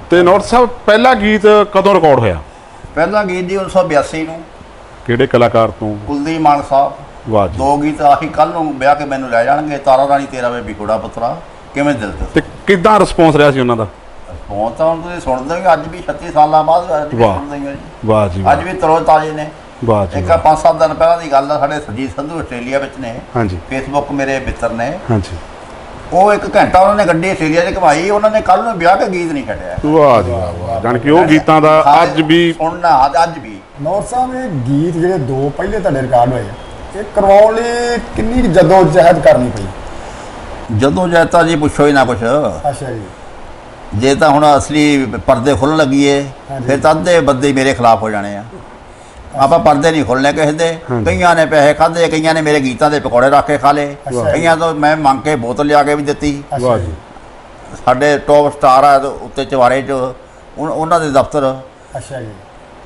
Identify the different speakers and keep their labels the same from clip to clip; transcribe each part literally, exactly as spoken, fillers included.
Speaker 1: ਤੇ ਨੌਰਥ ਸਾਹਿਬ ਪਹਿਲਾ ਗੀਤ ਕਦੋਂ ਰਿਕਾਰਡ ਹੋਇਆ?
Speaker 2: ਪਹਿਲਾ ਗੀਤ ਜੀ ਉੱਨੀ ਸੌ ਬਿਆਸੀ ਨੂੰ।
Speaker 1: ਕਿਹੜੇ ਕਲਾਕਾਰ ਤੋਂ?
Speaker 2: ਕੁਲਦੀਪ ਮਾਨ ਸਾਹਿਬ।
Speaker 1: ਵਾਹ ਜੀ।
Speaker 2: ਦੋ ਗੀਤ ਆਹੀ ਕੱਲ ਨੂੰ ਵਿਆਹ ਕੇ ਮੈਨੂੰ ਲੈ ਜਾਣਗੇ, ਤਾਰਾ ਰਾਣੀ ਤੇਰਾ ਵੇ ਵਿਗੜਾ ਪੁੱਤਰਾ, ਕਿਵੇਂ ਦਿਲ ਤੇ।
Speaker 1: ਤੇ ਕਿੱਦਾਂ ਰਿਸਪੌਂਸ ਰਿਹਾ ਸੀ ਉਹਨਾਂ ਦਾ?
Speaker 2: ਹੁਣ ਤਾਂ ਹੁਣ ਤੁਸੀਂ ਸੁਣਦੇ ਹੋ, ਅੱਜ ਵੀ ਛੱਤੀ ਸਾਲਾਂ ਬਾਅਦ ਅੱਜ ਵੀ ਸੁਣਦੇ ਹੋ ਜੀ।
Speaker 1: ਵਾਹ ਜੀ।
Speaker 2: ਅੱਜ ਵੀ ਤਰੋ ਤਾਜ਼ੇ ਨੇ।
Speaker 1: ਵਾਹ ਜੀ।
Speaker 2: ਇੱਕ ਪੰਜ ਸੱਤ ਦਿਨ ਪਹਿਲਾਂ ਦੀ ਗੱਲ ਆ, ਸਾਡੇ ਸਰਜੀਤ ਸੰਧੂ ਆਸਟ੍ਰੇਲੀਆ ਵਿੱਚ ਨੇ।
Speaker 1: ਹਾਂਜੀ।
Speaker 2: ਫੇਸਬੁੱਕ ਮੇਰੇ ਮਿੱਤਰ ਨੇ।
Speaker 1: ਹਾਂਜੀ।
Speaker 2: ਉਹ ਇੱਕ ਘੰਟਾ ਉਹਨਾਂ ਨੇ ਗੱਡੀ ਆਸਟ੍ਰੇਲੀਆ 'ਚ ਘੁਮਾਈ, ਉਹਨਾਂ ਨੇ ਕੱਲ ਨੂੰ ਵਿਆਹ ਕੇ ਗੀਤ ਨਹੀਂ ਛੱਡਿਆ।
Speaker 1: ਵਾਹ ਜੀ ਵਾਹ। ਜਾਣ ਕਿ ਉਹ ਗੀਤਾਂ ਦਾ ਅੱਜ ਵੀ
Speaker 2: ਸੁਣਨਾ, ਅੱਜ ਵੀ।
Speaker 3: ਨੌਰਥ ਸਾਹਿਬ ਇਹ ਗੀਤ ਜਿਹੜੇ ਦੋ ਪਹਿਲੇ ਤੁਹਾਡੇ ਰਿਕਾਰਡ ਹੋਏ ਆ, ਇਹ ਕਰਵਾਉਣ ਲਈ ਕਿੰਨੀ ਜਦੋਂ ਜਹਿਦ ਕਰਨੀ ਪਈ?
Speaker 2: ਜਦੋਂ ਜੈਤਾ ਜੀ ਪੁੱਛੋ ਹੀ ਨਾ ਕੁਛ।
Speaker 3: ਅੱਛਾ ਜੀ।
Speaker 2: ਜੇ ਤਾਂ ਹੁਣ ਅਸਲੀ ਪਰਦੇ ਖੁੱਲ੍ਹਣ ਲੱਗੀਏ ਫਿਰ ਤਾਂ ਅੱਧੇ ਬੰਦੇ ਮੇਰੇ ਖਿਲਾਫ ਹੋ ਜਾਣੇ ਆ। ਆਪਾਂ ਪਰਦੇ ਨਹੀਂ ਖੋਲ੍ਹਣੇ ਕਿਸੇ ਦੇ। ਕਈਆਂ ਨੇ ਪੈਸੇ ਖਾਧੇ, ਕਈਆਂ ਨੇ ਮੇਰੇ ਗੀਤਾਂ ਦੇ ਪਕੌੜੇ ਰੱਖ ਕੇ ਖਾ ਲਏ, ਕਈਆਂ ਤੋਂ ਮੈਂ ਮੰਗ ਕੇ ਬੋਤਲ ਲਿਆ ਕੇ ਵੀ ਦਿੱਤੀ।
Speaker 1: ਵਾਹ ਜੀ।
Speaker 2: ਸਾਡੇ ਟੌਪ ਸਟਾਰ ਆ ਉੱਤੇ ਚਵਾਰੇ 'ਚ, ਉਹਨਾਂ ਦੇ ਦਫ਼ਤਰ।
Speaker 3: ਅੱਛਾ ਜੀ।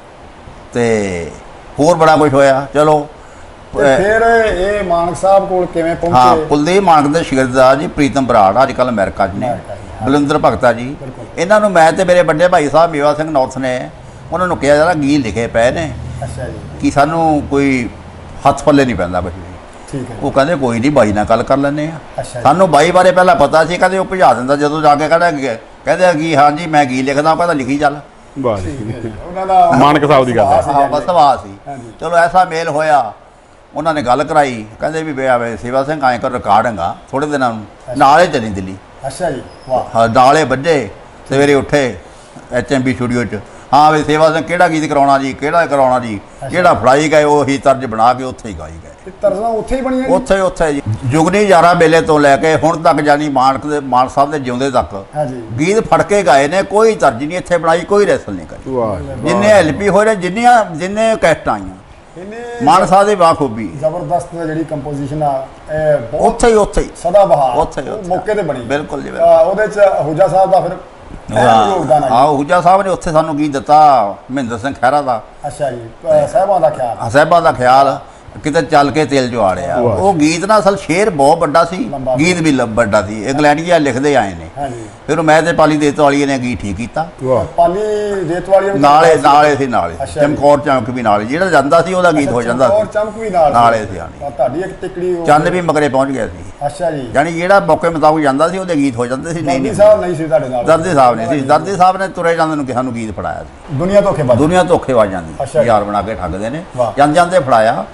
Speaker 2: ਤੇ ਹੋਰ ਬੜਾ ਕੁਝ ਹੋਇਆ। ਚਲੋ
Speaker 3: ਫਿਰ ਇਹ ਮਾਨਕ ਸਾਹਿਬ ਕੋਲ ਕਿਵੇਂ ਪਹੁੰਚੇ?
Speaker 2: ਹਾਂ, ਕੁਲਦੀਪ ਮਾਨਕ ਦੇ ਸ਼ਾਗਿਰਦ ਆ ਜੀ ਪ੍ਰੀਤਮ ਬਰਾੜ, ਅੱਜ ਕੱਲ੍ਹ ਅਮਰੀਕਾ 'ਚ ਨੇ। ਬਲਿੰਦਰ ਭਗਤਾ ਜੀ, ਇਹਨਾਂ ਨੂੰ ਮੈਂ ਤੇ ਮੇਰੇ ਵੱਡੇ ਭਾਈ ਸਾਹਿਬ ਮੇਵਾ ਸਿੰਘ ਨੌਰਥ ਨੇ ਉਹਨਾਂ ਨੂੰ ਕਿਹਾ ਜਾਂਦਾ ਗੀਤ ਲਿਖੇ ਪਏ ਨੇ।
Speaker 3: ਅੱਛਾ ਜੀ।
Speaker 2: ਕਿ ਸਾਨੂੰ ਕੋਈ ਹੱਥ ਪੱਲੇ ਨਹੀਂ ਪੈਂਦਾ ਕੁਝ ਵੀ।
Speaker 3: ਠੀਕ ਹੈ।
Speaker 2: ਉਹ ਕਹਿੰਦੇ ਕੋਈ ਨਹੀਂ, ਬਾਈ ਨਾਲ ਗੱਲ ਕਰ ਲੈਂਦੇ ਆ।
Speaker 3: ਅੱਛਾ।
Speaker 2: ਸਾਨੂੰ ਬਾਈ ਬਾਰੇ ਪਹਿਲਾਂ ਪਤਾ ਸੀ, ਕਹਿੰਦੇ ਉਹ ਭਜਾ ਦਿੰਦਾ। ਜਦੋਂ ਜਾ ਕੇ ਕਹਿੰਦਾ ਕਹਿੰਦੇ ਕਿ ਹਾਂ ਜੀ ਮੈਂ ਗੀਤ ਲਿਖਦਾ, ਉਹ ਕਹਿੰਦਾ ਲਿਖੀ ਚੱਲ।
Speaker 1: ਵਾਹ ਜੀ।
Speaker 3: ਉਹਨਾਂ ਦਾ
Speaker 1: ਮਾਨਕ ਸਾਹਿਬ ਦੀ ਗੱਲ ਹੈ।
Speaker 2: ਹਾਂ, ਬਸ ਸਵਾਹ ਸੀ। ਚਲੋ ਐਸਾ ਮੇਲ ਹੋਇਆ, ਉਹਨਾਂ ਨੇ ਗੱਲ ਕਰਾਈ, ਕਹਿੰਦੇ ਵੀ ਵੇ ਸੇਵਾ ਸਿੰਘ ਆਏ ਕਰ ਰਿਕਾਰਡਿੰਗਾ ਥੋੜੇ ਦਿਨਾਂ ਨੂੰ, ਨਾਲੇ ਚਲੀ ਦਿੱਲੀ।
Speaker 3: ਅੱਛਾ ਜੀ। ਵਾਹ।
Speaker 2: ਹਾਂ, ਨਾਲੇ ਵੱਜੇ, ਸਵੇਰੇ ਉੱਠੇ ਐਚ ਐਮ ਬੀ ਸਟੂਡੀਓ 'ਚ। ਹਾਂ ਵੀ ਸੇਵਾ ਸਿੰਘ ਕਿਹੜਾ ਗੀਤ ਕਰਾਉਣਾ ਜੀ, ਕਿਹੜਾ ਕਰਾਉਣਾ ਜੀ, ਜਿਹੜਾ ਫੜਾਈ ਗਏ ਉਹੀ ਤਰਜ ਬਣਾ ਕੇ ਉੱਥੇ ਹੀ ਗਾਈ ਗਏ।
Speaker 3: ਤਰਜ਼ਾਂ ਉੱਥੇ ਹੀ ਬਣੀਆਂ?
Speaker 2: ਉੱਥੇ ਉੱਥੇ ਜੀ ਜੁਗਨੀ ਯਾਰਾ ਵੇਲੇ ਤੋਂ ਲੈ ਕੇ ਹੁਣ ਤੱਕ, ਜਾਨੀ ਮਾਨਕ ਦੇ ਮਾਨ ਸਾਹਿਬ ਦੇ ਜਿਉਂਦੇ ਤੱਕ
Speaker 3: ਹਾਂਜੀ
Speaker 2: ਗੀਤ ਫੜ ਕੇ ਗਾਏ ਨੇ। ਕੋਈ ਤਰਜ ਨਹੀਂ ਇੱਥੇ ਬਣਾਈ, ਕੋਈ ਰੈਸਲ ਨਹੀਂ ਕਰੀ।
Speaker 1: ਵਾਹ।
Speaker 2: ਜਿੰਨੇ ਐਲਪੀ ਹੋਏ ਨੇ, ਜਿੰਨੀਆਂ ਜਿੰਨੇ ਕੈਸਟਾਂ ਆਈਆਂ, ਮਾਨ ਸਾਹਿਬ ਦੀ ਬਾਖੂਬੀ
Speaker 3: ਜ਼ਬਰਦਸਤ ਜਿਹੜੀ ਕੰਪੋਜੀਸ਼ਨ ਆ, ਇਹ ਬਹੁਤ
Speaker 2: ਉੱਥੇ ਹੀ ਉੱਥੇ ਹੀ
Speaker 3: ਸਦਾ ਬਹਾਰ
Speaker 2: ਉੱਥੇ ਹੀ ਉੱਥੇ।
Speaker 3: ਮੌਕੇ ਤੇ ਬਣੀ।
Speaker 2: ਬਿਲਕੁਲ ਜੀ,
Speaker 3: ਉਹਦੇ ਚ ਹੁਜਾ ਸਾਹਿਬ ਦਾ ਫਿਰ ਯੋਗਦਾਨ ਆ।
Speaker 2: ਹਾਂ, ਹੁਜਾ ਸਾਹਿਬ ਨੇ ਉੱਥੇ ਸਾਨੂੰ ਗੀਤ ਦਿੱਤਾ, ਮਹਿੰਦਰ ਸਿੰਘ ਖਹਿਰਾ ਦਾ।
Speaker 3: ਅੱਛਾ ਜੀ। ਸਾਹਿਬਾਂ ਦਾ ਖਿਆਲ,
Speaker 2: ਸਾਹਿਬਾਂ ਦਾ ਖਿਆਲ, ਕਿਤੇ ਚੱਲ ਕੇ ਤੇਲ ਜਵਾੜਿਆ। ਉਹ ਗੀਤ ਨਾ ਅਸਲ ਸ਼ੇਰ ਬਹੁਤ ਵੱਡਾ ਸੀ, ਗੀਤ ਵੀ ਵੱਡਾ ਸੀ। ਇੰਗਲੈਂਡੀਆ ਲਿਖਦੇ ਆਏ ਨੇ।
Speaker 3: ਹਾਂਜੀ।
Speaker 2: ਫਿਰ ਮੈਂ ਤੇ ਪਾਲੀ ਦੇਤਵਾਲੀਏ ਨੇ ਗੀਤ ਠੀਕ ਕੀਤਾ।
Speaker 3: ਪਾਲੀ ਦੇਤਵਾਲੀਏ
Speaker 2: ਨਾਲੇ ਨਾਲੇ ਸੀ, ਨਾਲੇ ਚਮਕੌਰ ਚਮਕ ਵੀ ਨਾਲੇ, ਜਿਹੜਾ ਜਾਂਦਾ ਸੀ ਉਹਦਾ ਗੀਤ ਹੋ ਜਾਂਦਾ ਸੀ।
Speaker 3: ਚਮਕ ਵੀ ਨਾਲ
Speaker 2: ਨਾਲੇ ਸੀ। ਆਣੀ
Speaker 3: ਤੁਹਾਡੀ ਇੱਕ ਟਿਕੜੀ
Speaker 2: ਚੰਨ ਵੀ ਮਗਰੇ ਪਹੁੰਚ ਗਿਆ ਸੀ।
Speaker 3: ਅੱਛਾ ਜੀ।
Speaker 2: ਯਾਨੀ ਜਿਹੜਾ ਮੌਕੇ ਮੁਤਾਬਕ ਜਾਂਦਾ ਸੀ ਉਹਦੇ ਗੀਤ ਹੋ ਜਾਂਦੇ ਸੀ। ਨਹੀਂ
Speaker 3: ਦਰਦੀ ਸਾਹਿਬ ਨਹੀਂ ਸੀ ਤੁਹਾਡੇ ਨਾਲ?
Speaker 2: ਦਰਦੀ ਸਾਹਿਬ ਨੇ ਸੀ। ਦਰਦੀ ਸਾਹਿਬ ਨੇ ਤੁਰੇ ਜਾਂਦੇ ਨੂੰ ਸਾਨੂੰ ਗੀਤ ਫੜਾਇਆ ਸੀ।
Speaker 3: ਦੁਨੀਆ ਧੋਖੇਬਾਜ਼,
Speaker 2: ਦੁਨੀਆ ਧੋਖੇਬਾਜ਼ ਜਾਂਦੀ, ਯਾਰ ਬਣਾ ਕੇ ਠੱਗਦੇ ਨੇ। ਜਾਂਦੇ ਜਾਂਦੇ ਫੜਾਇਆ,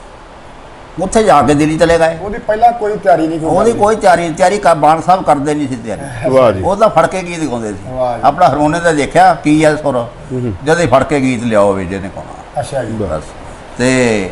Speaker 2: ਉੱਥੇ ਜਾ ਕੇ ਦਿੱਲੀ ਚਲੇ ਗਏ।
Speaker 3: ਉਹਦੀ ਪਹਿਲਾਂ ਕੋਈ ਤਿਆਰੀ ਨਹੀਂ?
Speaker 2: ਉਹਦੀ ਕੋਈ ਤਿਆਰੀ ਤਿਆਰੀ ਕਰ ਬਾਣ ਸਾਹਿਬ ਕਰਦੇ ਨਹੀਂ ਸੀ ਤਿਆਰੀ।
Speaker 1: ਵਾਹ ਜੀ।
Speaker 2: ਉਹ ਤਾਂ ਫੜ ਕੇ ਗੀਤ ਗਾਉਂਦੇ ਸੀ। ਆਪਣਾ ਹਾਰਮੋਨੀਅਮ ਤੇ ਦੇਖਿਆ ਕੀ ਹੈ ਸੁਰ, ਜਦੇ ਫੜ ਕੇ ਗੀਤ ਲਿਆਓ ਵੀ ਜਿਹਨੇ ਗਾਉਣਾ।
Speaker 3: ਅੱਛਾ ਜੀ।
Speaker 2: ਬਸ। ਤੇ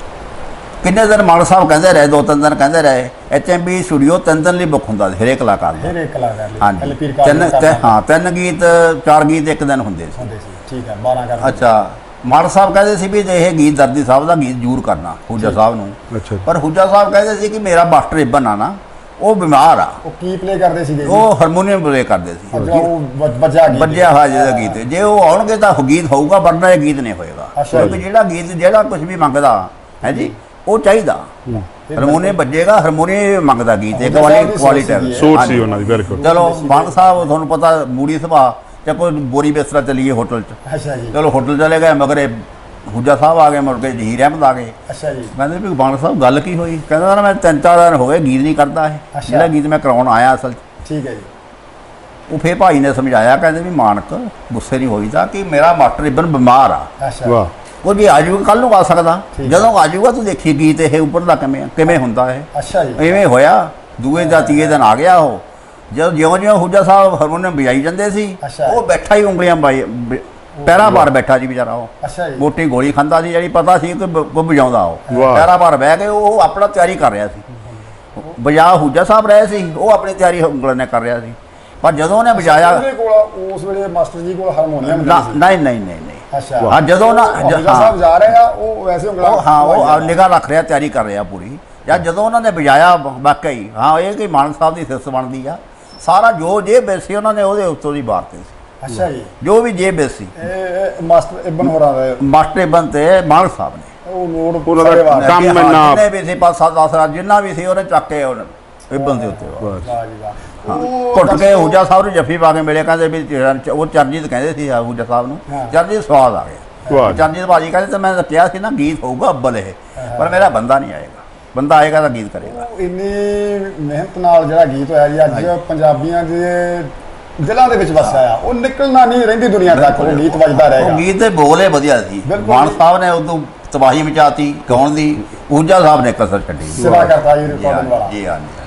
Speaker 2: ਕਿੰਨੇ ਦਿਨ ਮਾਨ ਸਾਹਿਬ ਕਹਿੰਦੇ ਰਹੇ, ਦੋ ਤਿੰਨ ਦਿਨ ਕਹਿੰਦੇ ਰਹੇ। ਐਚ ਐਮ ਬੀ ਸਟੂਡੀਓ ਤਿੰਨ ਦਿਨ ਲਈ ਬੁੱਕ ਹੁੰਦਾ ਸੀ ਹਰੇਕ ਕਲਾਕਾਰ ਦਾ।
Speaker 3: ਹਰੇਕ ਕਲਾਕਾਰ ਲਈ?
Speaker 2: ਹਾਂਜੀ। ਤਿੰਨ ਹਾਂ, ਤਿੰਨ ਗੀਤ ਚਾਰ ਗੀਤ ਇੱਕ ਦਿਨ ਹੁੰਦੇ ਸੀ।
Speaker 3: ਠੀਕ ਹੈ। ਬਾਰਾਂ ਕਰ।
Speaker 2: ਅੱਛਾ। ਮਾਨ ਸਾਹਿਬ ਕਹਿੰਦੇ ਸੀ ਵੀ ਇਹ ਗੀਤ ਦਰਦੀ ਸਾਹਿਬ ਦਾ ਗੀਤ ਜ਼ਰੂਰ ਕਰਨਾ ਹੁਜਾ ਸਾਹਿਬ ਨੂੰ।
Speaker 1: ਅੱਛਾ।
Speaker 2: ਪਰ ਹੁਜਾ ਸਾਹਿਬ ਕਹਿੰਦੇ ਸੀ ਕਿ ਮੇਰਾ ਮਾਸਟਰ ਇਬਨ ਆ ਨਾ, ਉਹ ਬਿਮਾਰ ਆ।
Speaker 3: ਉਹ ਕੀ ਪਲੇ ਕਰਦੇ ਸੀਗੇ?
Speaker 2: ਉਹ ਹਾਰਮੋਨੀਅਮ ਪਲੇ ਕਰਦੇ ਸੀ।
Speaker 3: ਉਹ ਵੱਜਿਆ ਗੀਤ,
Speaker 2: ਵੱਜਿਆ ਹੋਇਆ ਜਿਹੜਾ ਗੀਤ, ਜੇ ਉਹ ਆਉਣਗੇ ਤਾਂ ਗੀਤ ਹੋਊਗਾ, ਵਰਨਾ ਇਹ ਗੀਤ ਨਹੀਂ ਹੋਏਗਾ। ਕਿਉਂਕਿ ਜਿਹੜਾ ਗੀਤ ਜਿਹੜਾ ਕੁਝ ਵੀ ਮੰਗਦਾ ਹੈ ਜੀ, ਉਹ ਚਾਹੀਦਾ। ਹਾਰਮੋਨੀਅਮ ਵੱਜੇਗਾ, ਹਾਰਮੋਨੀਅਮ ਮੰਗਦਾ ਗੀਤ, ਇੱਕ ਵਾਲੀ ਕੁਆਲਿਟੀ
Speaker 1: ਸੋਚ ਸੀ ਉਹਨਾਂ ਦੀ। ਬਿਲਕੁਲ।
Speaker 2: ਚਲੋ ਮਾਨ ਸਾਹਿਬ ਤੁਹਾਨੂੰ ਪਤਾ ਮੂੜੀ ਸੁਭਾਅ, ਜਾਂ ਕੋਈ ਬੋਰੀ ਬਿਸਤਰਾ ਚਲੀਏ ਹੋਟਲ 'ਚ।
Speaker 3: ਅੱਛਾ ਜੀ।
Speaker 2: ਚਲੋ ਹੋਟਲ ਚਲੇ ਗਏ, ਮਗਰ ਹੁਜਾ ਸਾਹਿਬ ਆ ਗਏ, ਮੁੜ ਕੇ ਜਹੀਰ ਅਹਿਮਦ ਆ ਗਏ।
Speaker 3: ਅੱਛਾ ਜੀ।
Speaker 2: ਕਹਿੰਦੇ ਵੀ ਮਾਨ ਸਾਹਿਬ ਗੱਲ ਕੀ ਹੋਈ? ਕਹਿੰਦਾ ਨਾ ਮੈਂ ਤਿੰਨ ਚਾਰ ਦਿਨ ਹੋ ਗਏ ਗੀਤ ਨਹੀਂ ਕਰਦਾ ਇਹ, ਜਿਹੜਾ ਗੀਤ ਮੈਂ ਕਰਾਉਣ ਆਇਆ ਅਸਲ 'ਚ।
Speaker 3: ਠੀਕ ਹੈ ਜੀ।
Speaker 2: ਉਹ ਫੇਰ ਭਾਈ ਨੇ ਸਮਝਾਇਆ, ਕਹਿੰਦੇ ਵੀ ਮਾਨਕ ਗੁੱਸੇ ਨਹੀਂ ਹੋਈਦਾ ਕਿ ਮੇਰਾ ਮਾਸਟਰ ਇਬਨ ਬਿਮਾਰ ਆ।
Speaker 3: ਅੱਛਾ।
Speaker 1: ਵਾਹ।
Speaker 2: ਉਹ ਵੀ ਆ ਜਾਊਗਾ, ਕੱਲ ਨੂੰ ਆ ਸਕਦਾ। ਜਦੋਂ ਆ ਜਾਊਗਾ ਤੂੰ ਦੇਖੀ ਗੀਤ ਇਹ ਉੱਪਰਲਾ ਕਿਵੇਂ ਕਿਵੇਂ ਹੁੰਦਾ ਇਹ।
Speaker 3: ਅੱਛਾ ਜੀ।
Speaker 2: ਇਵੇਂ ਹੋਇਆ। ਦੂਏ ਦਾ ਤੀਏ ਦਿਨ ਆ ਗਿਆ ਉਹ। ਜਦੋਂ ਜਿਉਂ ਜਿਉਂ ਹੁਜਾ ਸਾਹਿਬ ਹਾਰਮੋਨੀਅਮ ਵਜਾਈ ਜਾਂਦੇ ਸੀ, ਉਹ ਬੈਠਾ ਹੀ ਉਂਗਲੀਆਂ ਬਾਈ ਪੈਰਾਂ ਭਾਰ ਬੈਠਾ ਜੀ ਵਿਚਾਰਾ। ਉਹ
Speaker 3: ਅੱਛਾ ਜੀ।
Speaker 2: ਮੋਟੀ ਗੋਲੀ ਖਾਂਦਾ ਸੀ, ਜਿਹੜੀ ਪਤਾ ਸੀ ਕਿ ਕੋਈ ਵਜਾਉਂਦਾ। ਉਹ ਪੈਰਾਂ ਭਾਰ ਬਹਿ ਕੇ ਉਹ ਆਪਣਾ ਤਿਆਰੀ ਕਰ ਰਿਹਾ ਸੀ। ਵਜਾ ਹੁਜਾ ਸਾਹਿਬ ਰਹੇ ਸੀ, ਉਹ ਆਪਣੀ ਤਿਆਰੀ ਉਂਗਲਾਂ ਨੇ ਕਰ ਰਿਹਾ ਸੀ। ਪਰ ਜਦੋਂ ਉਹਨੇ ਵਜਾਇਆ,
Speaker 3: ਉਹਦੇ ਕੋਲ ਉਸ ਵੇਲੇ ਮਾਸਟਰ ਜੀ ਕੋਲ ਹਾਰਮੋਨੀਅਮ
Speaker 2: ਨਹੀਂ ਨਹੀਂ ਨਹੀਂ ਨਹੀਂ।
Speaker 3: ਅੱਛਾ।
Speaker 2: ਹਾਂ, ਜਦੋਂ ਨਾ
Speaker 3: ਸਾਹਿਬ ਜਾ ਰਹੇ ਆ, ਉਹ ਵੈਸੇ ਉਂਗਲਾਂ,
Speaker 2: ਹਾਂ ਉਹ ਨਿਗਾਹ ਰੱਖ ਰਿਹਾ, ਤਿਆਰੀ ਕਰ ਰਿਹਾ ਪੂਰੀ। ਜਾਂ ਜਦੋਂ ਉਹਨਾਂ ਨੇ ਵਜਾਇਆ, ਵਾਕਈ ਹਾਂ ਇਹ ਕਿ ਮਾਨ ਸਾਹਿਬ ਦੀ ਸਿਫਤ ਬਣਦੀ ਆ। ਸਾਰਾ ਜੋ ਜੇ ਬੇਸੀ ਉਹਨਾਂ ਨੇ ਉਹਦੇ ਉੱਤੋਂ ਦੀ ਬਾਤ ਸੀ।
Speaker 3: ਅੱਛਾ ਜੀ।
Speaker 2: ਜੋ ਵੀ ਜੇ ਬੇਸੀ
Speaker 3: ਇਹ ਮਾਸਟਰ ਇਬਨ ਹੋਰਾਂ ਦਾ
Speaker 2: ਮਾਸਟਰ ਇਬਨ ਤੇ ਮਾਨ ਸਾਹਿਬ ਨੇ
Speaker 3: ਉਹ ਨੋਟ
Speaker 1: ਉਹਨਾਂ ਦਾ ਕੰਮ ਇੰਨਾ
Speaker 2: ਜਿੰਨੇ ਵੀ ਸੀ ਪੰਜ ਸੱਤ ਦਸ ਜਿੰਨਾ ਵੀ ਸੀ ਉਹਨੇ ਚੱਕ ਕੇ ਇਬਨ ਦੇ ਉੱਤੇ।
Speaker 3: ਵਾਹ ਜੀ ਵਾਹ। ਉਹ
Speaker 2: ਘੁੱਟ ਕੇ
Speaker 3: ਦਰਸ਼ਕੋ-
Speaker 2: ਹੂਜਾ ਸਾਹਿਬ ਨੂੰ ਜੱਫੀ ਪਾ ਕੇ ਮਿਲੇ, ਕਹਿੰਦੇ ਵੀ ਚਰਨ- ਉਹ ਚਰਨਜੀਤ ਕਹਿੰਦੇ ਸੀ ਹੂਜਾ ਸਾਹਿਬ ਨੂੰ,
Speaker 3: ਹਾਂ।
Speaker 2: ਚਰਨਜੀਤ ਸਵਾਦ ਆ
Speaker 1: ਵਾਹ
Speaker 2: ਗਿਆ।
Speaker 1: ਜੀ।
Speaker 2: ਚਰਨਜੀਤ ਭਾਜੀ ਕਹਿੰਦੇ ਤਾਂ ਮੈਂ ਤਾਂ ਕਿਹਾ ਸੀ ਨਾ ਗੀਤ ਹੋਊਗਾ ਅੱਬਲ ਇਹ, ਪਰ ਮੇਰਾ ਬੰਦਾ ਨਹੀਂ ਆਏਗਾ, ਬੰਦਾ ਆਏਗਾ ਤਾਂ ਗੀਤ ਕਰੇਗਾ।
Speaker 3: ਉਹ ਇੰਨੀ ਮਿਹਨਤ ਨਾਲ ਜਿਹੜਾ ਗੀਤ ਹੋਇਆ ਜੀ ਅੱਜ ਪੰਜਾਬੀਆਂ ਦੇ ਦਿਲਾਂ ਦੇ ਵਿੱਚ ਵਸਿਆ ਆ, ਉਹ ਨਿਕਲਣਾ ਨਹੀਂ ਰਹਿੰਦੀ ਦੁਨੀਆ ਤੱਕ, ਉਹ ਗੀਤ ਵੱਜਦਾ
Speaker 2: ਉਹ
Speaker 3: ਰਹੇਗਾ।
Speaker 2: ਗੀਤ ਦੇ ਬੋਲ ਹੀ ਵਧੀਆ ਸੀ।
Speaker 3: ਬਿਲਕੁਲ।
Speaker 2: ਮਾਨ ਸਾਹਿਬ ਨੇ ਉਦੋਂ ਤਬਾਹੀ ਮਚਾਤੀ ਗਾਉਣ ਦੀ, ਊਜਾ ਸਾਹਿਬ ਨੇ ਕਸਰ ਛੱਡੀ।
Speaker 3: ਸਿਰਾ ਕਰਤਾ ਜੀ
Speaker 2: ਜੀ
Speaker 3: ਰਿਕਾਰਡਿੰਗ
Speaker 2: ਹਾਂ
Speaker 3: ਵਾਲਾ।
Speaker 2: ਜੀ ਹਾਂ